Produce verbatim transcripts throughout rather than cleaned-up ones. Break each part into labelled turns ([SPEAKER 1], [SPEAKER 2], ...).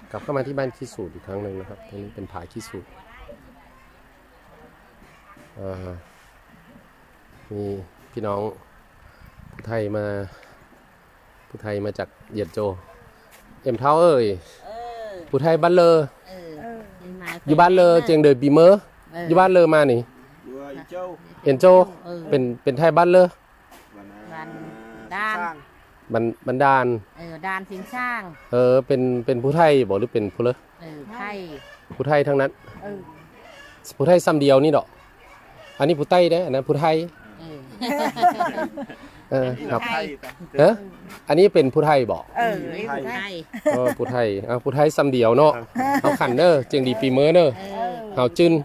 [SPEAKER 1] กลับเข้ามาที่บ้านขี้สูตรอีกครั้งหนึ่งนะครับตรงนี้เป็นผาขี้สูตรมีพี่น้องผู้ไทยมาผู้ไทยมาจากเหยียดโจเอ็มเท้าเอ้ยผู้ไทยบ้านเลออยู่บ้านเลอเจียงเดยปีเมอร์อยู่บ้านเลอมานี่เอ็นโจเป็นเป็นไทยบ้านเลอ
[SPEAKER 2] บันดาน
[SPEAKER 1] บันบันดาน
[SPEAKER 2] เออดานสิงช่าง
[SPEAKER 1] เออเป็นเป็นผู้ไทยบอกหรือเป็นผู้เลอ
[SPEAKER 2] เออไทย
[SPEAKER 1] ผู้ไทยทั้งนั้นผู้ไทยซ้ำเดียวนี่ดอกอันนี้ผู้ไต้ได้อันนั้นผู้ไทยเออครับเอออันนี้เป็นผู้ไทยบอก
[SPEAKER 2] เออผู้ไทย
[SPEAKER 1] เออผู้ไทยอ่ะผู้ไทยซ้ำเดียวเนาะเอาขันเนอร์เจียงดีปีเมอร์เนอร์เอาจึน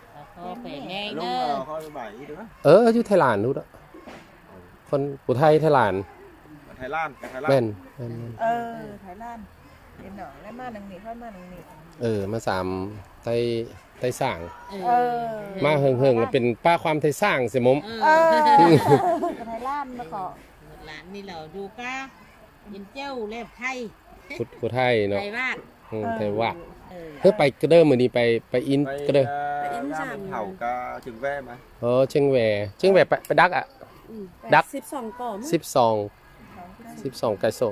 [SPEAKER 1] เอออยู่ไทยลานนู้นคนผู้ไทยไทยลาน
[SPEAKER 3] ไทยล้านไทยล้าน
[SPEAKER 1] แม่น
[SPEAKER 4] เออไทยล้านเป็นหนองแล้วมาหนังนี้ค่อยมาหนังนี้
[SPEAKER 1] เออมาสามไทยไทยสร้าง
[SPEAKER 4] เออ
[SPEAKER 1] มาเฮิงๆเป็นป้าความไทยสร้างเสียมุม
[SPEAKER 4] เออไทยล้านมาขอ
[SPEAKER 2] หลานนี่เราดูก้ายินเจ้าเล็บไทย
[SPEAKER 1] ผู้ไทยเนาะ
[SPEAKER 2] ไทยวาด
[SPEAKER 1] ไทยวาดเฮ้ยไปก็เดิมมือนี้ไปไปอินก็เดิม
[SPEAKER 3] ไปอินสามเผาก็จึงแว่ไหม
[SPEAKER 1] เออเชียงแหวเชียงแหวไปไปดักอ่ะดัก
[SPEAKER 4] สิบสองก่อน
[SPEAKER 1] สิบสองสิบสองไก่โซ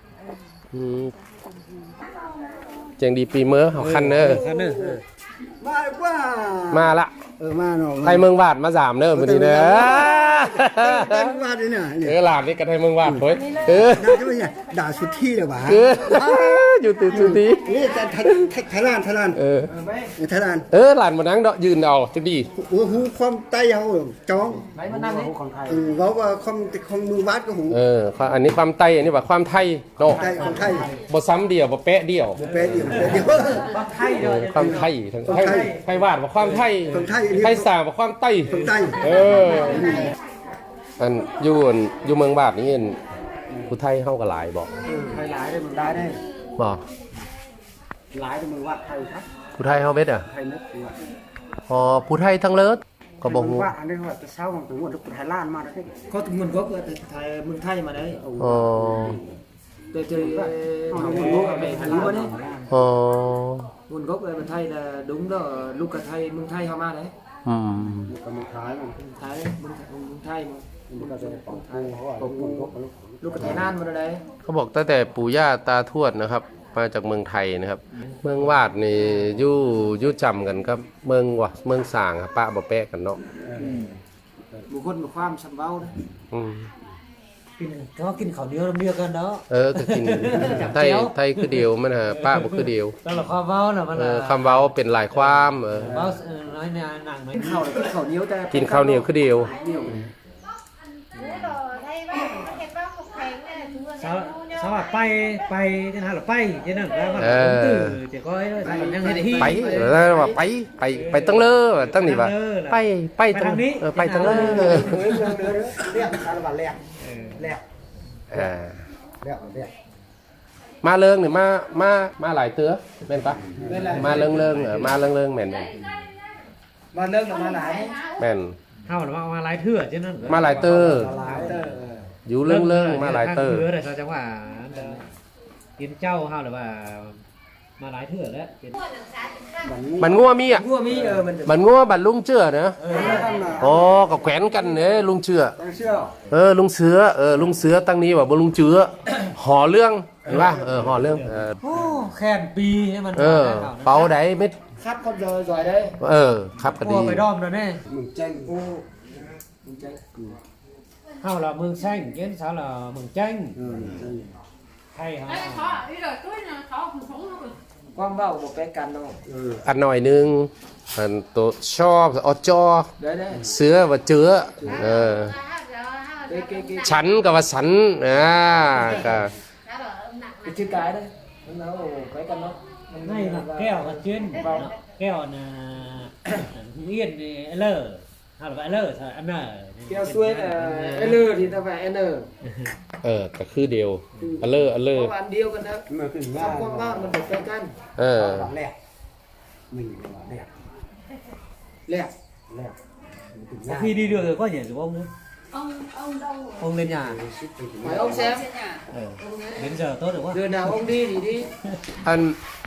[SPEAKER 1] เจียงดีปีเมอร์เขาคันเนอร์
[SPEAKER 3] มาว่า
[SPEAKER 1] มาละ
[SPEAKER 3] เออมาเนาะ
[SPEAKER 1] ไทยเมืองวาดมาสามเนอร์วันนี้เนอ
[SPEAKER 3] ไทยเมืองวาดเนี่ย
[SPEAKER 1] เออหลานนี่กับไทยเมืองวาดเฮ้ยเออ
[SPEAKER 3] ด่าจะไม่ใช่ด่าสุดที่เลยว่ะ
[SPEAKER 1] อยู่ตื่นสุดที่
[SPEAKER 3] นี่แต่ไทยล้านไทยล้าน
[SPEAKER 1] เออ
[SPEAKER 3] ไทยล้าน
[SPEAKER 1] เออหลานมานั่งเดาะยืนเอาจังดี
[SPEAKER 3] โอ้โหความไต้เขาจ้อง
[SPEAKER 2] ไหนมานั่งนี่ของไทย
[SPEAKER 3] เออเขาว่าความความมือวาดก็หู
[SPEAKER 1] เอออันนี้ความไต้อันนี้ว่าความไทยเนาะ
[SPEAKER 3] ความไทย
[SPEAKER 1] บ่ซ้ำเดียวบ่เป๊ะเดียว
[SPEAKER 3] บ่เป๊ะเดียวเดียว
[SPEAKER 2] ความไทยเดียว
[SPEAKER 1] ความไทยทั้งไทยไทยวาดว่าความไทยไทยสาว่าความไต้เอออันอยู่อยู่เมืองบาดนี่ผู้ไทยเฮาก็หลายบ่
[SPEAKER 3] ไทยหลายได้มึงได้ได้
[SPEAKER 1] บ่
[SPEAKER 3] หลายได้มึงว่าไทยครับ
[SPEAKER 1] ผู้ไทยเฮาเบ็ดอ่ะ
[SPEAKER 3] ไทยนึก
[SPEAKER 1] อ๋อผู้ไทยทั้งเลิศก็บ่ฮู้
[SPEAKER 3] ว่าอันนี้ว่าจะเช้าของตัวลูกไทยล้านมาได้ก็ถึงมันก็เกิดไทยเมืองไทยมาได้
[SPEAKER 1] อ๋อ
[SPEAKER 3] แต่เจอnguồn gốc ở đây Hàn Quốc đấy.
[SPEAKER 1] Ờ.
[SPEAKER 3] Nguồn gốc ở bên Thái là đúng đó, lúc cả Thái, mương Thái họ mà đấy.
[SPEAKER 1] Ừ.
[SPEAKER 3] Mương Thái, Thái, mương Thái, mương Thái, lúc cả Thái Lan mà đấy.
[SPEAKER 1] เขาบอกตั้งแต่ปู่ย่าตาทวดนะครับมาจากเมืองไทยนะครับเมืองวาดนี่ยู่ยู่จำกันครับเมืองวะเมืองสางครับป้าบ่แปะกันเนาะ
[SPEAKER 3] บุคคลมีความสัมพันธ์นะ
[SPEAKER 2] กินก็กินข้าวเหนียวเดียวกันเนาะ
[SPEAKER 1] เออก็กินไทยไทยคือเดียวมันฮะป้าบ่คือเดียว
[SPEAKER 2] แล้วความเว้าน่ะมัน
[SPEAKER 1] คำเว้าเป็นหลายความเออ
[SPEAKER 2] เว้าน้อยเนี่ยหนังไหม
[SPEAKER 3] ข้าวกินข้าวเหนียวแต่
[SPEAKER 1] กินข้าวเหนียวคือเดียว
[SPEAKER 2] สวัสดีไปไปจะหาหรอไปจะนั่งแล้วมันตื่นจะก้อยยังไงที่
[SPEAKER 1] ไปแล้วว่าไปไปไปตั้งเลอตั้งนี่ว่าไปไปตรงนี้ไปตั้งเลอ
[SPEAKER 3] เรียกสารวัตรแรกแรก
[SPEAKER 1] อ่า
[SPEAKER 3] แรกแรก
[SPEAKER 1] มาเลิงเนี่ยมามามาหลายเตื้อแม่นปะมาเลิงเลิงมาเลิงเลิงแม่น
[SPEAKER 3] มาเลิงมาหลาย
[SPEAKER 1] แม่น
[SPEAKER 2] เท่าหรือว่ามาหลายเถื่อจะนั่น
[SPEAKER 1] มาหลายเตื้ออยู่เรื่องเรื่องมาหลายเตอร์
[SPEAKER 2] แต่จังหวะกินเจ้าเฮาหรือว่ามาหลายเถื่อแล้ว
[SPEAKER 1] มันงัวมีอ่ะ
[SPEAKER 3] งัวมีเออมัน
[SPEAKER 1] มันงัวบัดลุงเชื่อเนอะอ๋อกับแขวนกันเนี่ยลุงเชื่อเออลุงเสือเออลุงเสือตั้งนี้ว่าบ่ลุงเชื่อห่อเรื่องเห็นป่ะเออห่อเรื่อง
[SPEAKER 2] โอ้แค่นปีให้มัน
[SPEAKER 1] เออเป่าได้เม็ด
[SPEAKER 3] ครับก็เลยจ่อยได้
[SPEAKER 1] เออครับก็ดี
[SPEAKER 2] ไปด้อมแล้วแน่
[SPEAKER 3] มึงแจ้งกูมึงแจ้ง
[SPEAKER 2] เฮาlà mường xanh, kiến sao là mường chanh. Hay hả?
[SPEAKER 3] Quang vào một cái cành đâu.
[SPEAKER 1] อันหน่อยนึงอันตัวชอบอจอเสือว่าเจือเออฉันก็ว่าฉันอ่าก็
[SPEAKER 3] ชื่อcái đấy. Nó cái cành đó.
[SPEAKER 2] Này là keo là chuyên keo là yên thì lờ. Hay là vậy lờ sao ăn nở.
[SPEAKER 3] Keo xuôi là L thì ta phải N.
[SPEAKER 1] เออก็คือเดียวอันเลออันเลอ
[SPEAKER 3] อันเดียวกันนะสองความว่ามันเป็นกัน
[SPEAKER 1] เออ
[SPEAKER 3] แหลกmìnhแหลกแหลกแหลก
[SPEAKER 2] khi đi được rồi có nhảy được ông nữa
[SPEAKER 4] ông ông đâu
[SPEAKER 2] ông lên nhà
[SPEAKER 3] phải ông xem
[SPEAKER 2] ừ. Đến giờ tốt được quá
[SPEAKER 3] giờ nào ông đi thì đi
[SPEAKER 1] อัน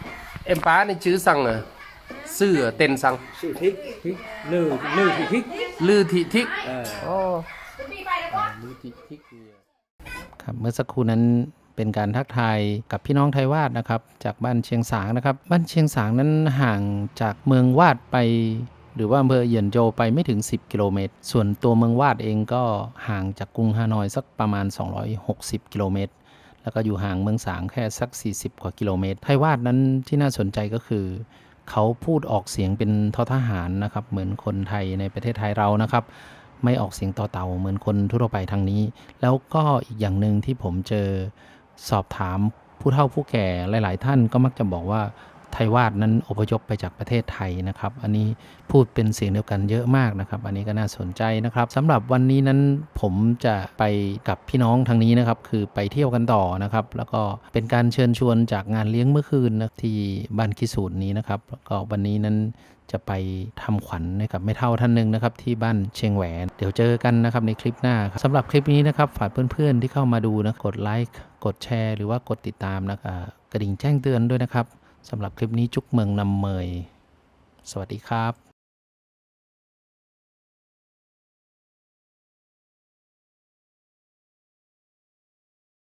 [SPEAKER 1] เอ็มป้าในชื่อสั่งอะซื่อเต็นสั่ง
[SPEAKER 3] ชื่อทิก
[SPEAKER 2] ทิกลือลือที่ทิก
[SPEAKER 1] ลือทิทิก
[SPEAKER 2] เออ
[SPEAKER 1] อ๋อลือทิทิกเนี่ย
[SPEAKER 5] ครับเมื่อสักครู่นั้นเป็นการทักทายกับพี่น้องไทยวาดนะครับจากบ้านเชียงสางนะครับบ้านเชียงสางนั้นห่างจากเมืองวาดไปหรือว่าอำเภอเหยียนโจไปไม่ถึงสิบกิโลเมตรส่วนตัวเมืองวาดเองก็ห่างจากกรุงฮานอยสักประมาณสองร้อยหกสิบกิโลเมตรแล้วก็อยู่ห่างเมืองสางแค่สักสี่สิบกว่ากิโลเมตรไทยวาดนั้นที่น่าสนใจก็คือเขาพูดออกเสียงเป็นททหารนะครับเหมือนคนไทยในประเทศไทยเรานะครับไม่ออกเสียงต่อเต่าเหมือนคนทั่วไปทางนี้แล้วก็อีกอย่างหนึ่งที่ผมเจอสอบถามผู้เฒ่าผู้แก่หลายๆท่านก็มักจะบอกว่าไทยวาดนั้นอพยพไปจากประเทศไทยนะครับอันนี้พูดเป็นเสียงเดียวกันเยอะมากนะครับอันนี้ก็น่าสนใจนะครับสำหรับวันนี้นั้นผมจะไปกับพี่น้องทางนี้นะครับคือไปเที่ยวกันต่อนะครับแล้วก็เป็นการเชิญชวนจากงานเลี้ยงเมื่อคืนนะที่บ้านคิสูตรนี้นะครับแล้วก็วันนี้นั้นจะไปทำขวัญให้กับแม่เฒ่าท่านหนึ่งนะครับที่บ้านเชียงแหวนเดี๋ยวเจอกันนะครับในคลิปหน้าสำหรับคลิปนี้นะครับฝากเพื่อนๆที่เข้ามาดูนะกดไลค์กดแชร์หรือว่ากดติดตามนะอ่ากระดิ่งแจ้งเตือนด้วยนะครับสำหรับคลิปนี้จุกเมืองนำเมยสวัสดีครับ